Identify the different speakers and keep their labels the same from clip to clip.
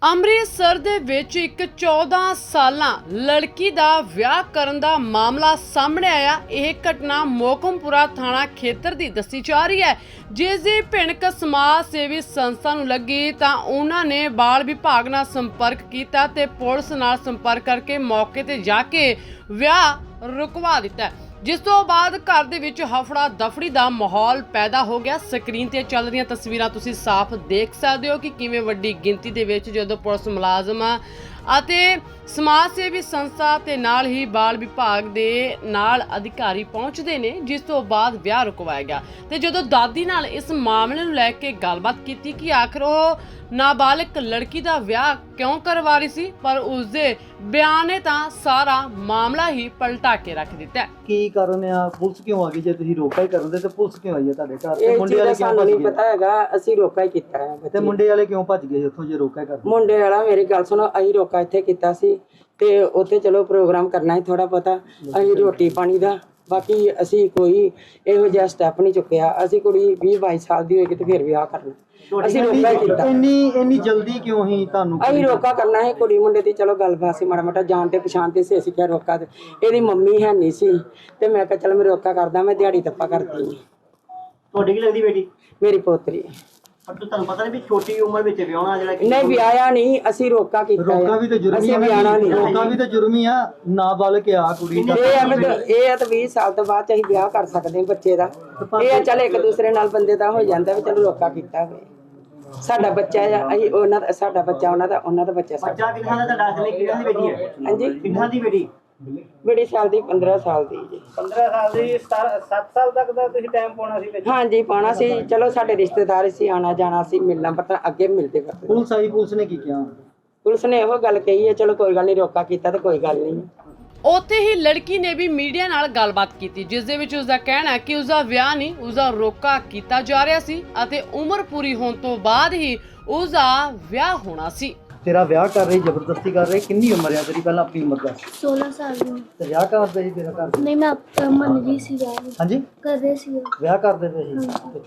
Speaker 1: ਅੰਮ੍ਰਿਤਸਰ ਦੇ ਵਿੱਚ ਇੱਕ 14 ਸਾਲਾਂ ਲੜਕੀ ਦਾ ਵਿਆਹ ਕਰਨ ਦਾ ਮਾਮਲਾ ਸਾਹਮਣੇ ਆਇਆ। ਇਹ ਘਟਨਾ ਮੋਕਮਪੁਰਾ ਥਾਣਾ ਖੇਤਰ ਦੀ ਦੱਸੀ ਜਾ ਰਹੀ ਹੈ, ਜਿਸ ਦੀ ਭਿਣਕ ਸਮਾਜ ਸੇਵੀ ਸੰਸਥਾ ਨੂੰ ਲੱਗੀ ਤਾਂ ਉਹਨਾਂ ਨੇ ਬਾਲ ਵਿਭਾਗ ਨਾਲ ਸੰਪਰਕ ਕੀਤਾ ਤੇ ਪੁਲਿਸ ਨਾਲ ਸੰਪਰਕ ਕਰਕੇ ਮੌਕੇ ਤੇ ਜਾ ਕੇ ਵਿਆਹ ਰੁਕਵਾ ਦਿੱਤਾ, ਜਿਸ ਤੋਂ ਬਾਅਦ ਘਰ ਦੇ ਵਿੱਚ ਹਫੜਾ ਦਫੜੀ ਦਾ ਮਾਹੌਲ ਪੈਦਾ ਹੋ ਗਿਆ। ਸਕਰੀਨ ਤੇ ਚੱਲ ਰਹੀਆਂ ਤਸਵੀਰਾਂ ਤੁਸੀਂ ਸਾਫ਼ ਦੇਖ ਸਕਦੇ ਹੋ ਕਿ ਕਿਵੇਂ ਵੱਡੀ ਗਿਣਤੀ ਦੇ ਵਿੱਚ ਜਦੋਂ ਪੁਲਿਸ ਮੁਲਾਜ਼ਮ ਅਤੇ ਸਮਾਜ ਸੇਵੀ ਸੰਸਥਾ ਤੇ ਨਾਲ ਹੀ ਬਾਲ ਵਿਭਾਗ ਦੇ ਨਾਲ ਅਧਿਕਾਰੀ ਪਹੁੰਚਦੇ ਨੇ, ਜਿਸ ਤੋਂ ਬਾਅਦ ਵਿਆਹ ਰੁਕਵਾਇਆ ਗਿਆ। ਤੇ ਜਦੋਂ ਦਾਦੀ ਨਾਲ ਇਸ ਮਾਮਲੇ ਨੂੰ ਲੈ ਕੇ ਗੱਲਬਾਤ ਕੀਤੀ ਕਿ ਆਖਰ ਉਹ ਨਾਬਾਲਗ ਲੜਕੀ ਦਾ ਵਿਆਹ ਕਿਉਂ ਕਰਵਾ ਰਹੀ ਸੀ, ਪਰ ਉਸਦੇ ਬਿਆਨ ਨੇ ਤਾਂ ਸਾਰਾ ਮਾਮਲਾ ਹੀ ਪਲਟਾ ਕੇ ਰੱਖ ਦਿੱਤਾ।
Speaker 2: ਕੀ ਕਾਰਨ ਆ? ਪੁਲਿਸ ਕਿਉਂ ਆ ਗਈ? ਜੇ ਤੁਸੀਂ ਰੋਕਾ ਹੀ ਕਰਨ ਦੇ ਤੇ ਪੁਲਿਸ ਕਿਉਂ ਆਈ ਹੈ ਤੁਹਾਡੇ ਘਰ? ਤੇ
Speaker 3: ਮੁੰਡੇ ਵਾਲੇ ਕਿਉਂ ਭੱਜ ਗਏ? ਪਤਾ ਹੈਗਾ, ਅਸੀਂ ਰੋਕਾ ਹੀ ਕੀਤਾ ਹੈ।
Speaker 2: ਤੇ ਮੁੰਡੇ ਵਾਲੇ ਕਿਉਂ ਭੱਜ ਗਏ ਉੱਥੋਂ ਜੇ ਰੋਕਾ ਹੀ ਕਰਦੇ?
Speaker 3: ਮੁੰਡੇ ਵਾਲਾ ਮੇਰੀ ਗੱਲ ਸੁਣੋ, ਅਸੀਂ ਰੋਕਾ ਇੱਥੇ ਕੀਤਾ ਸੀ ਤੇ ਉੱਥੇ ਚਲੋ ਪ੍ਰੋਗਰਾਮ ਕਰਨਾ ਹੈ ਥੋੜਾ ਪਤਾ, ਅਸੀਂ ਰੋਟੀ ਪਾਣੀ ਦਾ, ਬਾਕੀ ਅਸੀਂ ਕੋਈ ਇਹੋ ਜਿਹਾ ਸਟੈਪ ਨਹੀਂ ਚੁੱਕਿਆ। ਅਸੀਂ ਕੁੜੀ 20-22 ਸਾਲ ਦੀ ਹੋਏਗੀ ਤੇ ਫਿਰ ਵਿਆਹ ਕਰਨਾ, ਅਸੀਂ ਰੋਕਾ ਹੀ ਕੀਤਾ।
Speaker 2: ਇੰਨੀ ਜਲਦੀ ਕਿਉਂ ਹੀ ਤੁਹਾਨੂੰ?
Speaker 3: ਅਸੀਂ ਰੋਕਾ ਕਰਨਾ ਹੈ, ਕੁੜੀ ਮੁੰਡੇ ਦੀ ਚਲੋ ਗੱਲਬਾਤ ਸੀ, ਮਾੜਾ ਮਾੜਾ ਜਾਣ ਤੇ ਪਛਾਣ ਤੇ ਸੀ, ਅਸੀਂ ਕਿਹਾ ਰੋਕਾ। ਤੇ ਇਹਦੀ ਮੰਮੀ ਹੈ ਨਹੀਂ ਸੀ ਤੇ ਮੈਂ ਕਿਹਾ ਚਲ ਮੈਂ ਰੋਕਾ ਕਰਦਾ, ਮੈਂ ਦਿਹਾੜੀ ਤੱਪਾ ਕਰਦੀ।
Speaker 2: ਤੁਹਾਡੀ ਕੀ ਲੱਗਦੀ ਬੇਟੀ?
Speaker 3: ਮੇਰੀ ਪੋਤਰੀ।
Speaker 2: ਪਰ ਤੁਹਾਨੂੰ ਪਤਾ ਨਹੀਂ ਵੀ ਛੋਟੀ ਉਮਰ ਵਿੱਚ ਵਿਆਹਣਾ ਜਿਹੜਾ
Speaker 3: ਨਹੀਂ ਵਿਆਹਿਆ ਨਹੀਂ, ਅਸੀਂ ਰੋਕਾ ਕੀਤਾ।
Speaker 2: ਰੋਕਾ ਵੀ ਤਾਂ ਜੁਰਮ ਹੀ ਆ, ਰੋਕਾ ਵੀ ਤਾਂ ਜੁਰਮ ਹੀ ਆ। ਨਾਬਾਲਗ ਆ ਕੁੜੀ ਦਾ।
Speaker 3: ਇਹ ਆ ਤਾਂ 20 ਸਾਲ ਤੋਂ ਬਾਅਦ ਅਸੀਂ ਵਿਆਹ ਕਰ ਸਕਦੇ ਹਾਂ ਬੱਚੇ ਦਾ। ਇਹ ਆ ਚੱਲ ਇੱਕ ਦੂਸਰੇ ਨਾਲ ਬੰਦੇ ਦਾ ਹੋ ਜਾਂਦਾ ਵੀ ਚਲੋ ਰੋਕਾ ਕੀਤਾ ਹੋਵੇ। ਸਾਡਾ ਬੱਚਾ ਆ, ਅਸੀਂ ਉਹਨਾਂ ਦਾ, ਸਾਡਾ ਬੱਚਾ ਉਹਨਾਂ ਦਾ ਬੱਚਾ ਸਾਡਾ।
Speaker 2: ਬੱਚਾ ਕਿੰਨਾ ਦਾ ਤੁਹਾਡਾ? ਅਸਲੀ ਕਿੰਨਾ ਦੀ ਬੇਟੀ ਹੈ?
Speaker 3: ਹਾਂਜੀ,
Speaker 2: ਕਿੰਨਾ ਦੀ ਬੇਟੀ?
Speaker 3: ਬੜੀ ਸਾਲ ਦੀ, 15 ਸਾਲ ਦੀ ਜੀ।
Speaker 2: 15 ਸਾਲ ਦੀ। 7 ਸਾਲ ਤੱਕ ਦਾ ਤੁਸੀਂ ਟਾਈਮ ਪਾਉਣਾ ਸੀ ਵਿੱਚ?
Speaker 3: ਹਾਂਜੀ ਪਾਉਣਾ ਸੀ। ਚਲੋ ਸਾਡੇ ਰਿਸ਼ਤੇਦਾਰ ਸੀ, ਆਣਾ ਜਾਣਾ ਸੀ, ਮਿਲਣਾ ਪਤਾ ਅੱਗੇ ਮਿਲਦੇ ਕਰਦੇ।
Speaker 2: ਪੁਲਿਸ ਆਈ, ਪੁਲਿਸ ਨੇ ਕੀ ਕਿਹਾ?
Speaker 3: ਪੁਲਿਸ ਨੇ ਇਹੋ ਗੱਲ ਕਹੀ ਹੈ, ਚਲੋ ਕੋਈ ਗੱਲ ਨਹੀਂ, ਰੋਕਾ ਕੀਤਾ ਤਾਂ ਕੋਈ ਗੱਲ ਨਹੀਂ।
Speaker 1: ਉੱਥੇ ਹੀ ਲੜਕੀ ਨੇ ਵੀ ਮੀਡੀਆ ਨਾਲ ਗੱਲਬਾਤ ਕੀਤੀ, ਜਿਸ ਦੇ ਵਿੱਚ ਉਸਦਾ ਕਹਿਣਾ ਹੈ ਕਿ ਉਸਦਾ ਵਿਆਹ ਨਹੀਂ, ਉਸਦਾ ਰੋਕਾ ਕੀਤਾ ਜਾ ਰਿਹਾ ਸੀ ਅਤੇ ਉਮਰ ਪੂਰੀ ਹੋਣ ਤੋਂ ਬਾਅਦ ਹੀ ਉਸਦਾ ਵਿਆਹ ਹੋਣਾ ਸੀ। ਤੇਰਾ ਵਿਆਹ ਕਰ ਰਹੀ, ਜ਼ਬਰਦਸਤੀ ਕਰ ਰਹੀ। ਕਿੰਨੀ ਉਮਰ ਹੈ ਤੇਰੀ? ਪਹਿਲਾਂ ਆਪਣੀ ਉਮਰ ਦੱਸ।
Speaker 4: 16 ਸਾਲ ਦੀ।
Speaker 2: ਤੇ ਵਿਆਹ ਕਰਦੇ ਸੀ ਤੇਰਾ ਘਰ?
Speaker 4: ਨਹੀਂ, ਮੈਂ ਮੰਨ ਗਈ ਸੀ ਵਿਆਹ ਨੂੰ।
Speaker 2: ਹਾਂਜੀ,
Speaker 4: ਕਰਦੇ ਸੀ ਉਹ।
Speaker 2: ਵਿਆਹ ਕਰਦੇ ਪਏ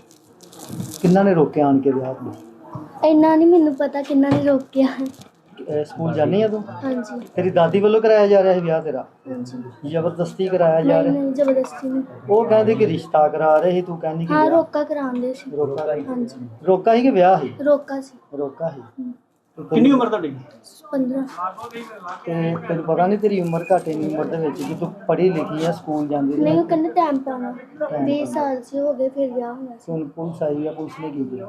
Speaker 2: ਸੀ। ਕਿੰਨਾ ਨੇ ਰੋਕਿਆ ਆਣ ਕੇ ਵਿਆਹ ਨੂੰ?
Speaker 4: ਇੰਨਾ ਨਹੀਂ ਮੈਨੂੰ ਪਤਾ ਕਿੰਨਾ ਨੇ ਰੋਕਿਆ।
Speaker 2: ਸਕੂਲ ਜਾਂਦੀ ਆ ਤੂੰ?
Speaker 4: ਹਾਂਜੀ
Speaker 2: ਤੇਰੀ ਦਾਦੀ ਵੱਲੋਂ ਕਰਾਇਆ ਜਾ ਰਿਹਾ ਸੀ ਵਿਆਹ ਤੇਰਾ?
Speaker 4: ਹਾਂਜੀ।
Speaker 2: ਜ਼ਬਰਦਸਤੀ ਕਰਾਇਆ ਜਾ
Speaker 4: ਨਹੀਂ
Speaker 2: ਰਿਹਾ?
Speaker 4: ਨਹੀਂ, ਜ਼ਬਰਦਸਤੀ ਨਹੀਂ।
Speaker 2: ਉਹ ਕਹਿੰਦੇ ਕਿ ਰਿਸ਼ਤਾ ਕਰਾ ਰਹੇ ਸੀ, ਤੂੰ ਕਹਿੰਦੀ ਕਿ
Speaker 4: ਹਾਂ,
Speaker 2: ਵਿਆਹ?
Speaker 4: ਰੋਕਾ ਕਰਾਉਂਦੇ ਸੀ।
Speaker 2: ਰੋਕਾ ਸੀ?
Speaker 4: ਹਾਂਜੀ,
Speaker 2: ਰੋਕਾ ਸੀ ਕਿ ਵਿਆਹ ਸੀ?
Speaker 4: ਰੋਕਾ ਸੀ।
Speaker 2: ਰੋਕਾ ਸੀ। ਕਿੰਨੀ ਉਮਰ ਤੁਹਾਡੀ?
Speaker 4: 15।
Speaker 2: ਤੇ ਤੈਨੂੰ ਪਤਾ ਨਹੀਂ ਤੇਰੀ ਉਮਰ ਘੱਟ ਇੰਨੀ ਉਮਰ ਦੇ ਵਿੱਚ ਕਿ ਤੂੰ ਪੜ੍ਹੀ ਲਿਖੀ ਆ, ਸਕੂਲ ਜਾਂਦੀ ਰਹੀ?
Speaker 4: ਨਹੀਂ, ਉਹ ਕਹਿੰਦੇ ਟਾਈਮ ਪਾਉਣਾ। 20 ਸਾਲ ਸੇ ਹੋ ਗਏ ਫਿਰ ਵਿਆਹ ਹੋਇਆ ਸੀ।
Speaker 2: ਹੁਣ ਪੁਲਿਸ ਆਈ ਆ, ਪੁਲਿਸ ਨੇ ਕੀ ਕੀਤਾ?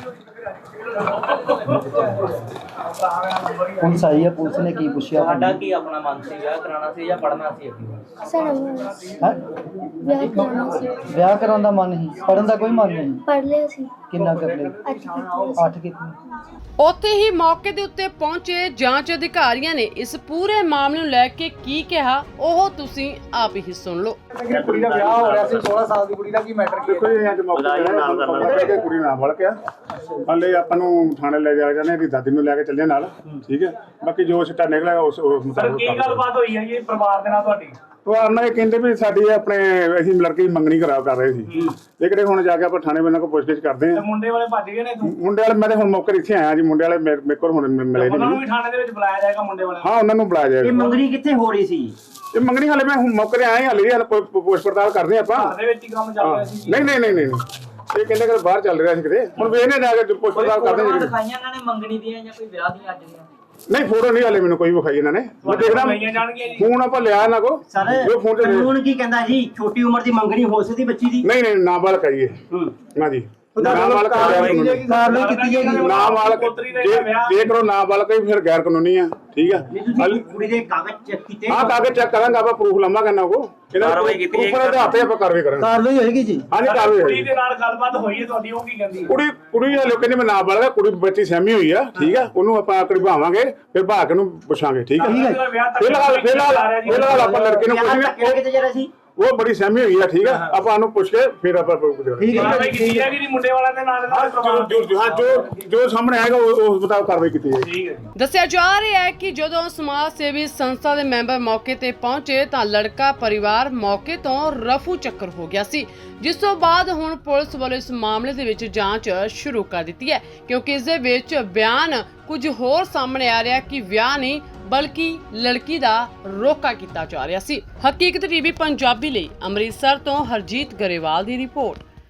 Speaker 2: ਪੁਲਿਸ ਆਈ ਆ, ਪੁਲਿਸ ਨੇ ਕੀ ਪੁੱਛਿਆ?
Speaker 5: ਤੁਹਾਡਾ ਕੀ ਆਪਣਾ ਮਨ ਸੀ? ਵਿਆਹ ਕਰਾਉਣਾ ਸੀ ਜਾਂ ਪੜ੍ਹਨਾ ਸੀ ਅੱਗੇ?
Speaker 4: ਸਾਡਾ
Speaker 2: ਹੈਂ?
Speaker 4: ਵਿਆਹ ਕਰਾਉਣਾ ਸੀ।
Speaker 2: ਵਿਆਹ ਕਰਾਉਣ ਦਾ ਮਨ ਸੀ, ਪੜ੍ਹਨ ਦਾ ਕੋਈ ਮਨ ਨਹੀਂ?
Speaker 4: ਪੜ੍ਹ ਲਿਆ ਸੀ।
Speaker 2: ਕਿੰਨਾ ਕਰ ਲਿਆ?
Speaker 4: 8 ਕੀਤੀ।
Speaker 2: 8 ਕਿਤਨੀ?
Speaker 1: ਉੱਥੇ ਹੀ ਮੌਕੇ ਦੇ ਉੱਤੇ ਪਹੁੰਚੇ ਜਾਂਚ ਅਧਿਕਾਰੀਆਂ ਨੇ ਇਸ ਪੂਰੇ ਮਾਮਲੇ ਨੂੰ ਲੈ ਕੇ ਕੀ ਕਿਹਾ, ਉਹ ਤੁਸੀਂ ਆਪ ਹੀ ਸੁਣ ਲਓ।
Speaker 6: ਕੁੜੀ ਦਾ ਵਿਆਹ ਹੋ ਰਿਹਾ ਸੀ, 16 ਸਾਲ ਦੀ ਕੁੜੀ ਦਾ ਕੀ ਮੈਟਰ ਕੀ ਹੈ? ਕੋਈ ਅੱਜ ਮੌਕੇ ਤੇ ਕੁੜੀ ਨਾਲ ਵੜ ਗਿਆ। ਹਲੇ ਆਪਾਂ ਨੂੰ ਥਾਣੇ ਲੈ ਜਾ ਜਾਂਦੇ, ਇਹਦੀ ਦਾਦੀ ਨੂੰ ਲੈ ਕੇ ਚੱਲੇ ਨਾਲ, ਠੀਕ ਹੈ। ਬਾਕੀ ਜੋ ਸਿੱਟਾ ਨਿਕਲਿਆ ਉਸ ਮੁਤਾਬਕ।
Speaker 5: ਕੀ ਗੱਲਬਾਤ ਹੋਈ ਹੈ ਜੀ ਪਰਿਵਾਰ ਦੇ ਨਾਲ ਤੁਹਾਡੀ?
Speaker 6: ਉਹ ਆਨਾ ਇਹ ਕਹਿੰਦੇ ਵੀ ਸਾਡੀ ਆਪਣੇ ਅਸੀਂ ਲੜਕੀ ਮੰਗਣੀ ਕਰ ਰਹੇ ਸੀ। ਇਹ ਕਿਹੜੇ ਹੁਣ ਜਾ ਕੇ ਆਪਾਂ ਥਾਣੇ ਬੰਨਾਂ ਕੋਲ ਪੁੱਛਗਿੱਛ ਕਰਦੇ ਆ।
Speaker 5: ਮੁੰਡੇ ਵਾਲੇ ਭੱਜ ਗਏ ਨੇ?
Speaker 6: ਮੁੰਡੇ ਵਾਲੇ ਮੈਂ ਤੇ ਹੁਣ ਮੌਕੇ ਇੱਥੇ ਆਇਆ ਜੀ। ਮੁੰਡੇ ਵਾਲੇ ਮੇਰੇ ਕੋਲ ਹੁਣ ਮਿਲੇ
Speaker 5: ਉਹਨਾਂ ਨੂੰ
Speaker 6: ਨਹੀਂ।
Speaker 5: ਵੀ ਥਾਣੇ ਦੇ ਵਿੱਚ ਬੁਲਾਇਆ ਜਾਏਗਾ ਮੁੰਡੇ ਵਾਲੇ?
Speaker 6: ਹਾਂ, ਉਹਨਾਂ ਨੂੰ ਬੁਲਾਇਆ ਜਾਏਗਾ।
Speaker 2: ਇਹ ਮੰਗਣੀ ਕਿੱਥੇ ਹੋ ਰਹੀ ਸੀ?
Speaker 6: ਇਹ ਮੰਗਣੀ ਹਾਲੇ ਮੈਂ ਹੁਣ ਮੌਕੇ ਤੇ ਆਇਆ, ਹਾਲੇ ਪੁੱਛ ਪੜਤਾਲ ਕਰਦੇ ਆਪਾਂ।
Speaker 5: ਘਰ ਦੇ ਵਿੱਚ ਹੀ ਕੰਮ ਚੱਲ ਰਿਹਾ ਸੀ?
Speaker 6: ਨਹੀਂ, ਇਹ ਕਹਿੰਦੇ ਕਿ ਬਾਹਰ ਚੱਲ ਰਿਹਾ ਸੀ ਕਿਤੇ। ਹੁਣ ਵੇਖਨੇ ਜਾ ਕੇ ਪੁੱਛ ਪੜਤਾਲ ਕਰਦੇ ਆ।
Speaker 5: ਦਿਖਾਈਆਂ ਇਹਨਾਂ ਨੇ ਮੰਗਣੀ ਦੀਆਂ ਜਾਂ ਕੋਈ ਵਿਆਹ ਦੀਆਂ ਅੱਜ ਦੀਆਂ?
Speaker 6: ਨਹੀਂ, ਫੋਟੋ ਨਹੀਂ ਹਾਲੇ ਮੈਨੂੰ ਕੋਈ ਵਿਖਾਈ ਇਹਨਾਂ ਨੇ। ਮੈਂ ਦੇਖਦਾ ਫੋਨ ਆਪਾਂ ਲਿਆ ਇਹਨਾਂ ਕੋ।
Speaker 2: ਕਾਨੂੰਨ ਕੀ ਕਹਿੰਦਾ ਜੀ? ਛੋਟੀ ਉਮਰ ਦੀ ਮੰਗਣੀ ਹੋ ਸਕਦੀ ਬੱਚੀ ਦੀ?
Speaker 6: ਨਹੀਂ, ਨਾਬਾਲਗ ਹੈ ਇਹ। ਨਾ ਜੀ, ਨਾਬਾਲਗ
Speaker 2: ਕਾਰਵਾਈ ਕੀਤੀ ਜਾਏਗੀ।
Speaker 6: ਨਾਬਾਲਗ ਜੇ ਕਰੋ ਨਾਬਾਲਗ ਹੀ ਫਿਰ ਗੈਰ ਕਾਨੂੰਨੀ ਆ, ਠੀਕ ਆ।
Speaker 2: ਕੁੜੀ ਦੇ ਕਾਗਜ਼ ਚੈੱਕ ਕੀਤੇ?
Speaker 6: ਹਾਂ, ਕਾਗਜ਼ ਚੈੱਕ ਕਰਾਂਗਾ ਆਪਾਂ, ਪ੍ਰੂਫ ਲਵਾਂਗੇ ਇਹਨਾਂ ਕੋ।
Speaker 5: ਕਾਰਵਾਈ ਕੀਤੀ ਜਾਏਗੀ।
Speaker 6: ਉੱਪਰ ਦੇ ਹੱਥੇ ਆਪਾਂ ਕਾਰਵਾਈ ਕਰਾਂਗੇ।
Speaker 2: ਕਾਰਵਾਈ ਹੋਏਗੀ ਜੀ?
Speaker 6: ਹਾਂਜੀ, ਕਾਰਵਾਈ
Speaker 5: ਕੁੜੀ
Speaker 6: ਹੋਏਗੀ।
Speaker 5: ਦੇ ਨਾਲ ਗੱਲਬਾਤ ਹੋਈ ਹੈ ਤੁਹਾਡੀ? ਉਹ ਕੀ ਕਹਿੰਦੀ?
Speaker 6: ਕੁੜੀ ਹਾਲੇ ਕਹਿੰਦੇ ਮੈਂ ਨਾਬਾਲਗ ਆ, ਕੁੜੀ ਬੱਚੀ ਸਹਿਮੀ ਹੋਈ ਆ, ਠੀਕ ਆ। ਉਹਨੂੰ ਆਪਾਂ ਕਢਵਾਵਾਂਗੇ, ਫਿਰ ਭਾਗ ਨੂੰ ਪੁੱਛਾਂਗੇ, ਠੀਕ ਆ। ਫਿਲਹਾਲ ਆਪਾਂ ਲੜਕੇ ਨੂੰ ਪੁੱਛਾਂਗੇ।
Speaker 2: ਕਿੱਥੇ ਜਾ ਰਿਹਾ ਸੀ?
Speaker 6: ਉਹ ਬੜੀ ਸਹਿਮੀ ਹੋਈ ਆ, ਠੀਕ ਹੈ, ਆਪਾਂ ਉਹਨੂੰ ਪੁੱਛ ਕੇ ਫਿਰ ਆਪਾਂ
Speaker 5: ਕਾਰਵਾਈ ਕੀਤੀ ਹੈ ਕਿ ਮੁੰਡੇ ਵਾਲਾ ਦੇ ਨਾਲ
Speaker 6: ਜੋ ਸਾਹਮਣੇ ਆਏਗਾ ਉਸ ਮੁਤਾਬਕ ਕਾਰਵਾਈ ਕੀਤੀ ਜਾਏਗੀ।
Speaker 5: ਠੀਕ ਹੈ।
Speaker 1: ਦੱਸਿਆ ਜਾ ਰਿਹਾ ਹੈ ਕਿ ਜਦੋਂ ਸਮਾਜ ਸੇਵੀ ਸੰਸਥਾ ਦੇ ਮੈਂਬਰ ਮੌਕੇ ਤੇ ਪਹੁੰਚੇ ਤਾਂ ਲੜਕਾ ਪਰਿਵਾਰ ਮੌਕੇ ਤੋਂ ਰਫੂ ਚੱਕਰ ਹੋ ਗਿਆ ਸੀ, ਜਿਸ ਤੋਂ ਬਾਅਦ ਹੁਣ ਪੁਲਿਸ ਵੱਲੋਂ ਇਸ ਮਾਮਲੇ ਦੇ ਵਿੱਚ ਜਾਂਚ ਸ਼ੁਰੂ ਕਰ ਦਿੱਤੀ ਹੈ, ਕਿਉਂਕਿ ਇਸ ਦੇ ਵਿੱਚ ਬਿਆਨ ਕੁਝ ਹੋਰ ਸਾਹਮਣੇ ਆ ਰਿਹਾ ਕਿ ਵਿਆਹ ਨਹੀਂ ਬਲਕਿ ਲੜਕੀ ਦਾ ਰੋਕਾ ਕੀਤਾ ਜਾ ਰਿਹਾ ਸੀ। ਹਕੀਕਤ ਟੀਵੀ ਪੰਜਾਬੀ ਲਈ ਅੰਮ੍ਰਿਤਸਰ ਤੋਂ ਹਰਜੀਤ ਗਰੇਵਾਲ ਦੀ ਰਿਪੋਰਟ।